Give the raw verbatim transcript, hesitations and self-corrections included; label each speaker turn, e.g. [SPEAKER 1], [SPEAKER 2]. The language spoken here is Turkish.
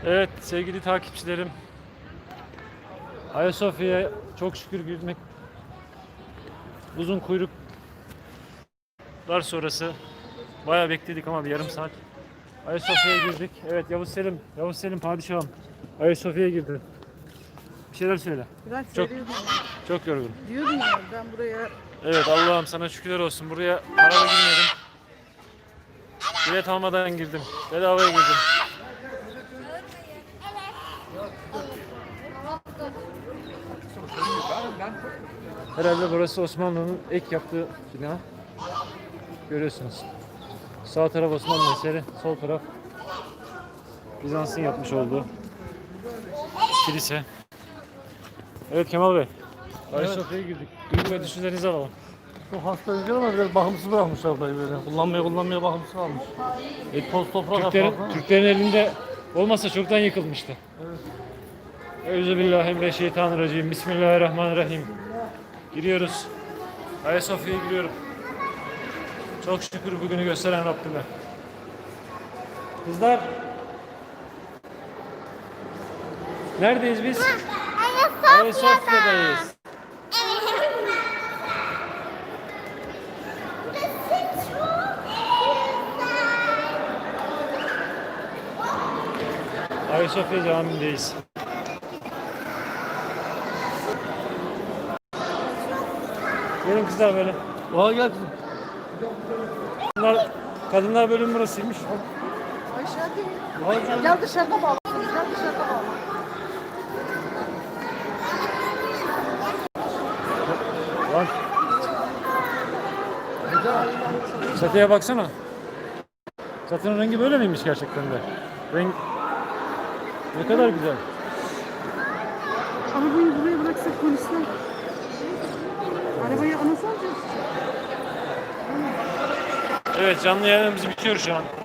[SPEAKER 1] Evet sevgili takipçilerim, Ayasofya'ya çok şükür girmek uzun kuyruklar sonrası bayağı bekledik ama bir yarım saat Ayasofya'ya girdik. Evet Yavuz Selim, Yavuz Selim padişahım Ayasofya'ya girdi. Bir şeyler söyle.
[SPEAKER 2] Ben
[SPEAKER 1] Çok
[SPEAKER 2] söylüyordum.
[SPEAKER 1] çok yorgun.
[SPEAKER 2] Diyordum ya ben buraya
[SPEAKER 1] Evet Allah'ım sana şükürler olsun. Buraya paralı girmedim. Bilet almadan girdim. Bedavaya girdim. Herhalde burası Osmanlı'nın ek yaptığı bina. Görüyorsunuz. Sağ taraf Osmanlı eseri, sol taraf Bizans'ın yapmış olduğu kilise. Evet Kemal Bey. Ayasofya'ya girdik. Duygu ve düşüncelerinizi alalım.
[SPEAKER 3] Çok hasta değil ama biraz bakımsız bırakmışlar burayı böyle. Kullanmaya kullanmaya bakımsız kalmış. E, toz toprak
[SPEAKER 1] Türklerin,
[SPEAKER 3] atmak.
[SPEAKER 1] Türklerin elinde olmasa çoktan yıkılmıştı. Evet. Euzubillahimineşşeytanirracim. Bismillahirrahmanirrahim. Giriyoruz. Ayasofya'ya giriyorum. Çok şükür bugünü gösteren Rabbime. Kızlar. Neredeyiz biz? Ayasofya'dayız. Ayasofya Camii'ndeyiz. Gelin kızlar böyle.
[SPEAKER 3] Oha gel kızım.
[SPEAKER 1] Kadınlar, kadınlar bölüm burasıymış.
[SPEAKER 2] aşağı değil.
[SPEAKER 3] Oha gel.
[SPEAKER 2] Gel dışarıda bağlı. Gel dışarıda bağlı.
[SPEAKER 1] Lan. Çatıya baksana. Çatının rengi böyle miymiş gerçekten de? Renk ne kadar güzel.
[SPEAKER 2] Arabayı buraya bıraksak polisler. Arabayı anası alacağız.
[SPEAKER 1] Evet canlı yayınımız bitiyor şu an.